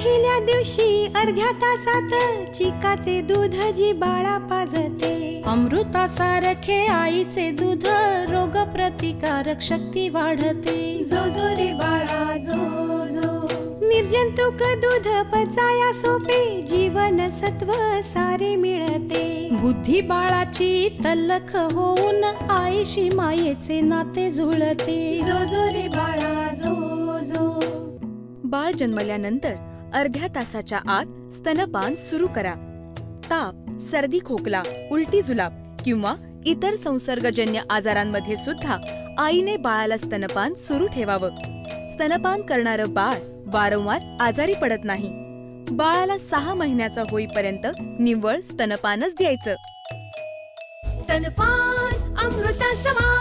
पहिल्या दिवशी अर्ध्या तासात चिकाचे दूध जी बाळा पाजते. अमृतासारखे आईचे दूध रोग प्रतिकारक शक्ती वाढते. जो जो रे बाळा जो जो. निर्जंतुक दूध पचाया सोपे जीवन सत्व सारे मिळते. बुद्धी बाळाची तल्लख होऊन आईशी मायेचे नाते जुळते. जो जो रे बाळा जो जो. बाळ जन्मल्यानंतर अर्ध्या तासाच्या आत स्तनपान सुरू करा. ताप, सर्दी, खोकला, उलटी जुलाब किंवा इतर संसर्गजन्य आजारांमध्ये सुद्धा आईने बाळाला स्तनपान सुरू ठेवावं. स्तनपान करणारं बाळ वारंवार आजारी पडत नाही. बाळाला 6 महिन्याचा होईपर्यंत निव्वळ स्तनपानच द्यायचं. स्तनपान अमृता समान.